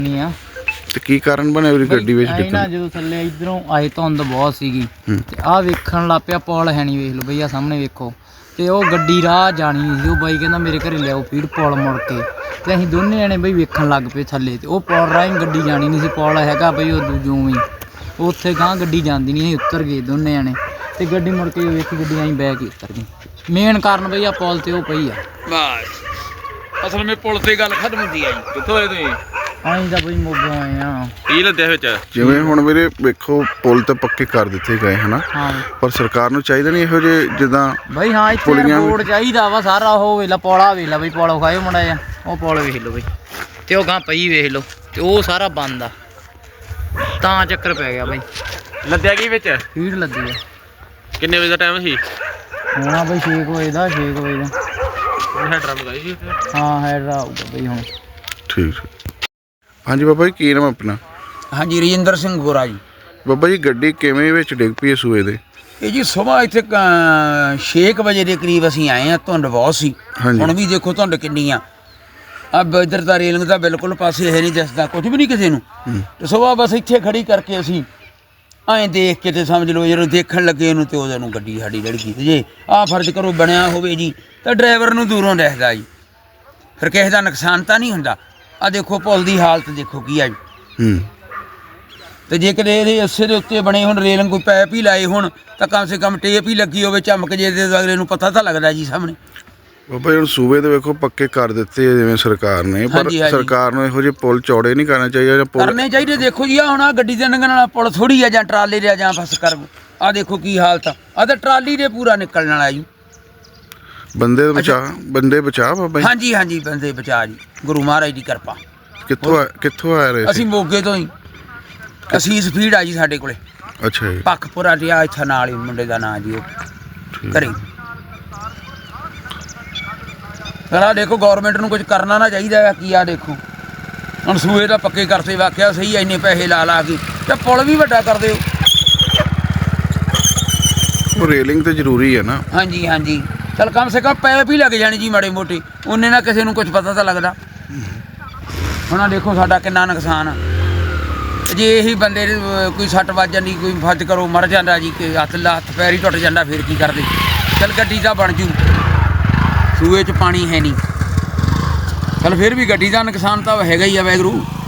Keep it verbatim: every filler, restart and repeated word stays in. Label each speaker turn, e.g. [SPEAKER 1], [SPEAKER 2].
[SPEAKER 1] ਨਹੀਂ ਆ
[SPEAKER 2] ਤੇ ਕੀ ਕਾਰਨ ਬਣਿਆ ਵੀ ਗੱਡੀ ਵਿੱਚ
[SPEAKER 1] ਡਿੱਗਣ ਨਾ? ਜਦੋਂ ਥੱਲੇ ਇਧਰੋਂ ਆਏ ਧੁੰਦ ਬਹੁਤ ਸੀਗੀ ਤੇ ਆਹ ਵੇਖਣ ਲੱਗ ਪਿਆ ਪੁਲ ਹੈ ਨਹੀਂ, ਵੇਖ ਲਓ ਬਈ ਆ ਸਾਹਮਣੇ ਵੇਖੋ। ਤੇ ਉਹ ਗੱਡੀ ਰਾਹ ਜਾਣੀ ਨਹੀਂ ਸੀ, ਉਹ ਬਾਈ ਕਹਿੰਦਾ ਮੇਰੇ ਘਰੇ ਲਿਆਓ ਫੀਡ ਪੁਲ ਮੁੜ ਕੇ। ਤੇ ਅਸੀਂ ਦੋਨੇ ਜਣੇ ਬਈ ਵੇਖਣ ਲੱਗ ਪਏ ਥੱਲੇ, ਤੇ ਉਹ ਪੁਲ ਰਾਹੀਂ ਗੱਡੀ ਜਾਣੀ ਨਹੀਂ ਸੀ। ਪੁਲ ਹੈਗਾ ਬਈ ਉਹ ਦੂਜੋਂ ਹੀ ਉੱਥੇ ਗਾਂ ਗੱਡੀ ਜਾਂਦੀ ਨਹੀਂ, ਅਸੀਂ ਉੱਤਰ ਗਏ ਦੋਨੇ ਜਣੇ ਤੇ ਗੱਡੀ ਮੁੜ ਕੇ ਵੇਖੀ ਗੱਡੀ ਆਈ ਬਹਿ ਕੇ ਉੱਤਰ ਗਈ। ਮੇਨ ਕਾਰਨ ਬਈ ਆ ਪੁਲ ਤੇ ਉਹ ਪਈ ਆ
[SPEAKER 3] ਬਸ ਅਸਲ ਵਿੱਚ ਪੁਲ ਤੇ ਗੱਲ ਖਤਮ ਹੁੰਦੀ ਆ ਜੀ। ਕਿੱਥੋਂ ਆਏ ਤੁਸੀਂ?
[SPEAKER 1] ਅਸੀਂ ਤਾਂ ਬਈ ਮੋਗੋਂ ਆਏ ਆ।
[SPEAKER 3] ਕੀ ਲੱਦਿਆ ਵਿੱਚ?
[SPEAKER 2] ਜਿਵੇਂ ਹੁਣ ਵੀਰੇ ਵੇਖੋ ਪੁਲ ਤਾਂ ਪੱਕੇ ਕਰ ਦਿੱਤੇ ਗਏ ਹਨਾ,
[SPEAKER 1] ਹਾਂ
[SPEAKER 2] ਪਰ ਸਰਕਾਰ ਨੂੰ ਚਾਹੀਦਾ ਨਹੀਂ ਇਹੋ ਜਿਹੇ ਜਿੱਦਾਂ
[SPEAKER 1] ਬਈ ਹਾਂ ਇੱਥੇ ਰੋਡ ਚਾਹੀਦਾ ਵਾ ਸਾਰਾ। ਉਹ ਵੇਲਾ ਪੌਲਾ ਵੇਲਾ ਬਈ ਪੌਲਾ ਖਾਇਓ ਮੜਾ ਜਾ, ਉਹ ਪੌਲ ਵੇਖ ਲਓ ਬਈ ਤੇ ਉਹ ਗਾਂ ਪਈ ਵੇਖ ਲਓ ਤੇ ਉਹ ਸਾਰਾ ਬੰਦ ਆ, ਤਾਂ ਚੱਕਰ ਪੈ ਗਿਆ ਬਈ।
[SPEAKER 3] ਲੱਦਿਆ ਕੀ ਵਿੱਚ?
[SPEAKER 1] ਫੀਡ ਲੱਗੀ ਆ।
[SPEAKER 3] ਕਿੰਨੇ ਵਜੇ ਦਾ ਟਾਈਮ ਸੀ?
[SPEAKER 1] ਹੋਣਾ ਬਈ ਛੇ ਕੁ ਵਜੇ ਦਾ, ਛੇ ਕੁ ਵਜੇ ਦਾ।
[SPEAKER 3] ਹੈਡਰਾ ਮਗਾਈ ਸੀ?
[SPEAKER 1] ਹਾਂ ਹੈਡਰਾ ਆਊਗਾ ਬਈ ਹੁਣ।
[SPEAKER 2] ਠੀਕ ਹੈ। ਹਾਂਜੀ ਬਾਬਾ ਜੀ, ਕੀ ਨਾਮ ਆਪਣਾ?
[SPEAKER 4] ਹਾਂਜੀ ਰਜਿੰਦਰ ਸਿੰਘ ਗੋਰਾ ਜੀ।
[SPEAKER 2] ਬਾਬਾ ਜੀ ਗੱਡੀ ਕਿਵੇਂ ਵਿੱਚ ਡਿੱਗ ਪਈ ਸੂਏ ਦੇ?
[SPEAKER 4] ਇਹ ਜੀ ਸੁਬਾਹ ਇੱਥੇ ਛੇ ਕੁ ਵਜੇ ਦੇ ਕਰੀਬ ਅਸੀਂ ਆਏ ਆ, ਧੁੰਦ ਬਹੁਤ ਸੀ। ਹੁਣ ਵੀ ਦੇਖੋ ਧੁੰਦ ਕਿੰਨੀ ਆ। ਅਬ ਇੱਧਰ ਤਾਂ ਰੇਲਿੰਗ ਦਾ ਬਿਲਕੁਲ ਪਾਸੇ ਹੈ ਨਹੀਂ ਦਿਸਦਾ ਕੁਝ ਵੀ ਨਹੀਂ ਕਿਸੇ ਨੂੰ। ਤੇ ਸੁਬਾਹ ਬਸ ਇੱਥੇ ਖੜੀ ਕਰਕੇ ਅਸੀਂ ਐਂ ਦੇਖ ਕੇ ਤੇ ਸਮਝ ਲਓ ਜਦੋਂ ਦੇਖਣ ਲੱਗੇ ਇਹਨੂੰ ਤੇ ਉਹਦੇ ਨੂੰ ਗੱਡੀ ਸਾਡੀ ਲੜਕੀ ਤੇ ਜੇ ਆਹ ਫਰਜ਼ ਕਰੋ ਬਣਿਆ ਹੋਵੇ ਜੀ ਤਾਂ ਡਰਾਈਵਰ ਨੂੰ ਦੂਰੋਂ ਦਿਖਦਾ ਜੀ, ਫਿਰ ਕਿਸੇ ਦਾ ਨੁਕਸਾਨ ਤਾਂ ਨਹੀਂ ਹੁੰਦਾ। ਆ ਦੇਖੋ ਪੁਲ ਦੀ ਹਾਲਤ ਦੇਖੋ ਕੀ ਆ ਜੀ।
[SPEAKER 2] ਹੂੰ
[SPEAKER 4] ਤੇ ਜੇ ਕਿਤੇ ਇਹਦੇ ਅੱਸੇ ਦੇ ਉੱਤੇ ਬਣੇ ਹੁਣ ਰੇਲਿੰਗ ਕੋਈ ਪੈਪ ਹੀ ਲਾਏ ਹੁਣ ਤਾਂ ਕਮ ਸੇ ਕਮ ਟੇਪ ਹੀ ਲੱਗੀ ਹੋਵੇ ਚਮਕ ਜੇ ਤੇ ਅਗਲੇ ਨੂੰ ਪਤਾ ਤਾਂ ਲੱਗਦਾ ਜੀ ਸਾਹਮਣੇ।
[SPEAKER 2] ਬਾਬਾ ਜੀ ਹੁਣ ਸੂਬੇ ਦੇ ਵੇਖੋ ਪੱਕੇ ਕਰ ਦਿੱਤੇ ਆ ਜਿਵੇਂ ਸਰਕਾਰ ਨੇ, ਪਰ ਸਰਕਾਰ ਨੂੰ ਇਹੋ ਜਿਹੇ ਪੁਲ ਚੌੜੇ ਨਹੀਂ ਕਰਨੇ ਚਾਹੀਦੇ ਜਾਂ ਪੁਲ
[SPEAKER 4] ਕਰਨੇ ਚਾਹੀਦੇ। ਦੇਖੋ ਜੀ ਆ ਹੁਣ ਆ ਗੱਡੀ ਦੇ ਲੰਘਣ ਵਾਲਾ ਪੁਲ ਥੋੜੀ ਆ ਜਾਂ ਟਰਾਲੇ ਦੇ ਜਾਂ ਬਸ ਕਰ ਆ ਦੇਖੋ ਕੀ ਹਾਲਤ ਆ। ਆ ਤਾਂ ਟਰਾਲੀ ਦੇ ਪੂਰਾ ਨਿਕਲਣ ਵਾਲਾ ਜੀ।
[SPEAKER 2] ਬੰਦੇ ਬਚਾ ਬੰਦੇ ਬਚਾ ਬਾਬਾ ਜੀ?
[SPEAKER 4] ਹਾਂਜੀ ਹਾਂਜੀ ਬੰਦੇ ਬਚਾ ਜੀ, ਗੁਰੂ ਮਹਾਰਾਜ ਦੀ ਕਿਰਪਾ।
[SPEAKER 2] ਕਿੱਥੋਂ ਆ- ਕਿੱਥੋਂ ਆ ਰਹੇ ਸੀ?
[SPEAKER 4] ਅਸੀਂ ਮੋਗੇ ਤੋਂ ਹੀ, ਅਸੀਂ ਸਪੀਡ ਆ ਜੀ ਸਾਡੇ ਕੋਲੇ।
[SPEAKER 2] ਅੱਛਾ ਜੀ।
[SPEAKER 4] ਪੱਖਪੁਰਾ ਰਿਹਾ ਇੱਥੇ ਨਾਲ ਹੀ ਮੁੰਡੇ ਦਾ ਨਾਂ ਜੀ ਉਹ ਘਰੇ। ਪਰ ਆਹ ਦੇਖੋ ਗੌਰਮੈਂਟ ਨੂੰ ਕੁਝ ਕਰਨਾ ਨਾ ਚਾਹੀਦਾ ਆ। ਕੀ ਆ ਦੇਖੋ ਹੁਣ ਸੂਏ ਤਾਂ ਪੱਕੇ ਕਰਤੇ, ਵਾਕਿਆ ਸਹੀ ਇੰਨੇ ਪੈਸੇ ਲਾ ਲਾ ਕੇ ਤੇ ਪੁਲ ਵੀ ਵੱਡਾ ਕਰ ਦਿਓ।
[SPEAKER 2] ਉਹ ਰੇਲਿੰਗ ਤੇ ਜ਼ਰੂਰੀ ਹੈ ਨਾ।
[SPEAKER 4] ਹਾਂਜੀ ਹਾਂਜੀ ਚਲ ਕਮ ਸੇ ਕਮ ਪੈਪ ਹੀ ਲੱਗ ਜਾਣੀ ਜੀ ਮਾੜੇ ਮੋਟੇ, ਉਹਨੇ ਨਾ ਕਿਸੇ ਨੂੰ ਕੁਝ ਪਤਾ ਤਾਂ ਲੱਗਦਾ। ਹੁਣ ਆਹ ਦੇਖੋ ਸਾਡਾ ਕਿੰਨਾ ਨੁਕਸਾਨ ਆ। ਜੇ ਇਹੀ ਬੰਦੇ ਦੇ ਕੋਈ ਸੱਟ ਵੱਜ ਜਾਂਦੀ, ਕੋਈ ਫਰਜ਼ ਕਰੋ ਮਰ ਜਾਂਦਾ ਜੀ, ਕਿ ਹੱਥ ਹੱਥ ਪੈਰ ਹੀ ਟੁੱਟ ਜਾਂਦਾ, ਫਿਰ ਕੀ ਕਰਦੇ? ਚਲ ਗੱਡੀ ਤਾਂ ਬਣ ਜੂ, ਸੂਏ 'ਚ ਪਾਣੀ ਹੈ ਨਹੀਂ। ਚਲ ਫਿਰ ਵੀ ਗੱਡੀ ਦਾ ਨੁਕਸਾਨ ਤਾਂ ਹੈਗਾ ਹੀ ਆ ਵਾਹਿਗੁਰੂ।